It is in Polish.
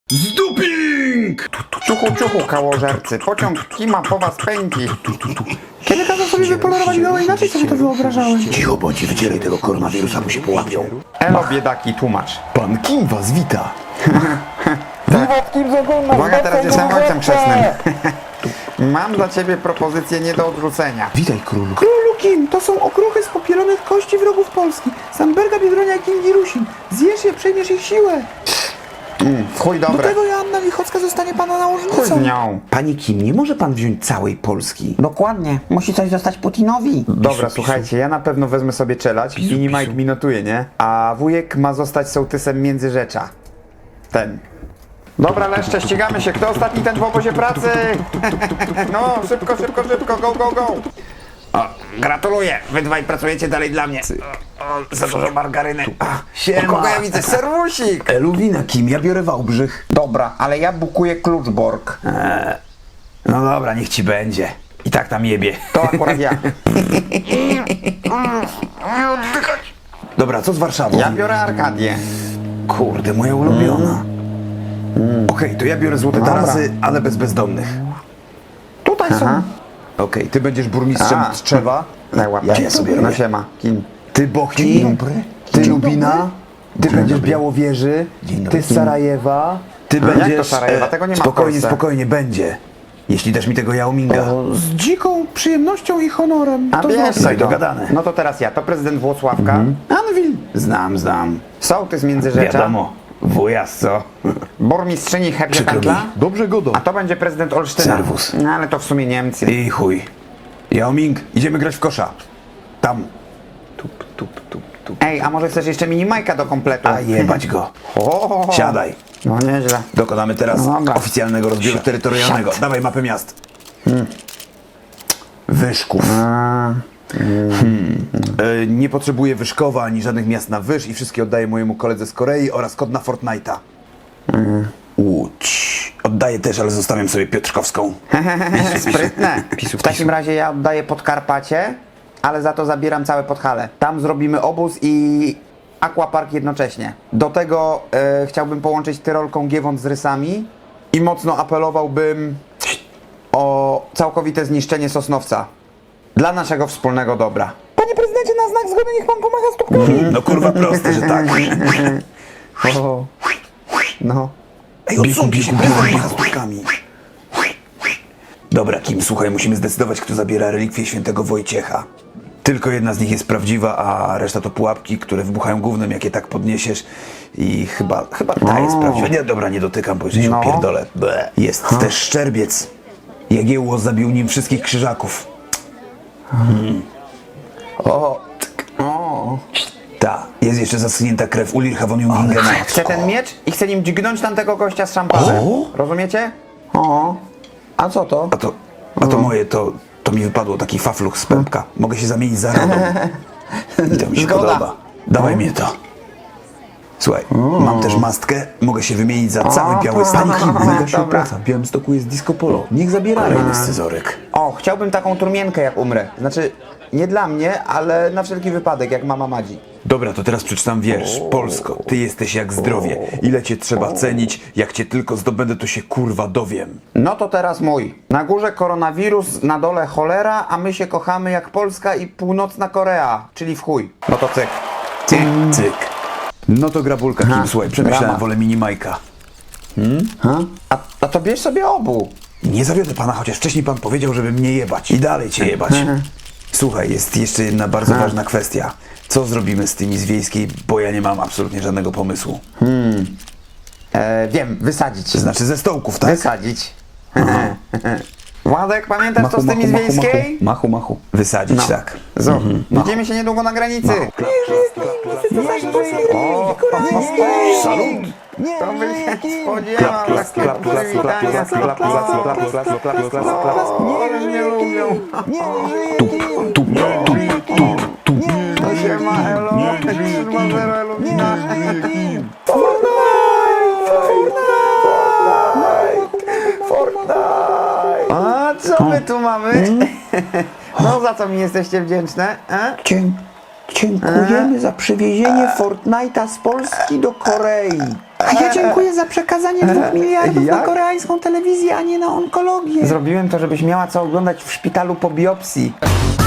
Zduping! Ciuchu, ciuchu, kałożercy, pociąg kima po was pędzi. Kiedy kazał sobie wypolerować gołę, inaczej sobie to wyobrażałem. Cicho bądź i wycieraj tego koronawirusa, bo się połapią. Elo, biedaki, tłumacz. Pan Kim was wita. Uwaga, teraz jestem ojcem chrzestnym. Mam dla ciebie propozycję nie do odrzucenia. Witaj, królu. Królu Kim, to są okruchy z popielonych kości wrogów Polski. Samberga, Biedronia i Kim Rusin. Zjesz je, przejmiesz ich siłę. W chuj Do dobre. tego Joanna Lichocka zostanie pana Chuj nałożnicą. z nią. Panie Kim, nie może pan wziąć całej Polski? Dokładnie. Musi coś zostać Putinowi. Dobra, słuchajcie, ja na pewno wezmę sobie czelać. Mini Mike mi notuje, nie? A wujek ma zostać sołtysem Międzyrzecza. Ten. Dobra, leszcze, ścigamy się. Kto ostatni, ten w obozie pracy? No, szybko, szybko, szybko, go, go, go. O, gratuluję, wy dwaj pracujecie dalej dla mnie. O, za dużo margaryny. O, kogo ja widzę? Serwusik! Eluwina, Kim, ja biorę Wałbrzych. Dobra, ale ja bukuję Kluczbork. No dobra, niech ci będzie. I tak tam jebie. To akurat ja. Dobra, co z Warszawą? Ja biorę Arkadię. Kurde, moja ulubiona. Okej, to ja biorę Złote Tarasy, ale bez bezdomnych. Tutaj są. Okej, ty będziesz burmistrzem A. Trzewa. Daj łapkę. Ja sobie No robię. siema. Kim? Ty Bochni, ty Lubina, ty będziesz dobry. Białowieży, ty z Sarajewa, ty Jak będziesz... to Sarajewa? Tego nie ma w Spokojnie, Polsce. spokojnie, będzie. Jeśli dasz mi tego Jaominga. Z dziką przyjemnością i honorem. A To wiesz, znaczy- Daj, dogadane. No to teraz ja. To prezydent Włocławka. Anwil. Znam. Sołtys Międzyrzecza. Wiadomo, wujas co? Burmistrzyni Przykro mi. Hebrzepętla. Dobrze godo. A to będzie prezydent Olsztyna. Serwus. No ale to w sumie Niemcy. I chuj. Jaoming, idziemy grać w kosza. Tam. Ej, a może chcesz jeszcze mini Majka do kompletu? A jebać go. O, Siadaj. No nieźle. Dokonamy teraz No dobra. oficjalnego rozbioru terytorialnego. Dawaj mapę miast. Wyszków. Nie potrzebuję Wyszkowa ani żadnych miast na Wysz i wszystkie oddaję mojemu koledze z Korei oraz kod na Fortnite'a. Łódź. Oddaję też, ale zostawiam sobie Piotrkowską. Sprytne. W takim razie ja oddaję Podkarpacie, ale za to zabieram całe Podhale. Tam zrobimy obóz i aquapark jednocześnie. Do tego chciałbym połączyć Tyrolką Giewont z Rysami i mocno apelowałbym o całkowite zniszczenie Sosnowca. Dla naszego wspólnego dobra. Panie prezydencie, na znak zgody niech pan pomacha stópkami. No kurwa proste, że tak. O, no. Ej, odsuńcie się, prezydent macha stópkami. Dobra, Kim, słuchaj, musimy zdecydować, kto zabiera relikwie świętego Wojciecha. Tylko jedna z nich jest prawdziwa, a reszta to pułapki, które wybuchają gównem, jak je tak podniesiesz. I chyba ta jest prawdziwa. Nie, dobra, nie dotykam, bo jeszcze się No. opierdolę. Jest też szczerbiec. Jagiełło zabił nim wszystkich krzyżaków. O, Ta, jest jeszcze zaschnięta krew Ulricha von Jungingena. chcę ten miecz i chcę nim dźgnąć tamtego gościa z szampanem. O! Rozumiecie? O, a co to? A to moje, to mi wypadło taki fafluch z pępka. Mogę się zamienić za radą. I to mi się Zgoda. podoba. Dawaj mnie to. Słuchaj, mam też mastkę, mogę się wymienić za cały biały stan. Mega się Dobra. opłaca. W Białymstoku jest disco polo. Niech zabierają jest scyzoryk. O, chciałbym taką trumienkę jak umrę. Znaczy, nie dla mnie, ale na wszelki wypadek, jak mama Madzi. Dobra, to teraz przeczytam wiersz. Polsko, ty jesteś jak zdrowie. Ile cię trzeba cenić, jak cię tylko zdobędę, to się kurwa dowiem. No to teraz mój. Na górze koronawirus, na dole cholera, a my się kochamy jak Polska i północna Korea, czyli w chuj. No to cyk. Cyk. No to grabulka, Kim, słuchaj, przemyślałem, brama. wolę mini Majka. A to bierz sobie obu. Nie zawiodę pana, chociaż wcześniej pan powiedział, żeby mnie jebać. I dalej cię jebać. Słuchaj, jest jeszcze jedna bardzo ważna kwestia. Co zrobimy z tymi z Wiejskiej, bo ja nie mam absolutnie żadnego pomysłu. Wiem, wysadzić. To znaczy ze stołków, tak? Wysadzić. Władek, pamiętasz co z tymi z Wiejskiej? Machu. Wysadzić, tak. Widzimy się niedługo na granicy. Salut! To by się spodziewał takiego przywitania. Oni mnie lubią. To siema, elo. 3-0 Elumina. A co my tu mamy? No za co mi jesteście wdzięczne? Dziękujemy za przywiezienie Fortnite'a z Polski do Korei. A ja dziękuję za przekazanie 2 miliardów na jak? koreańską telewizję, a nie na onkologię. Zrobiłem to, żebyś miała co oglądać w szpitalu po biopsji.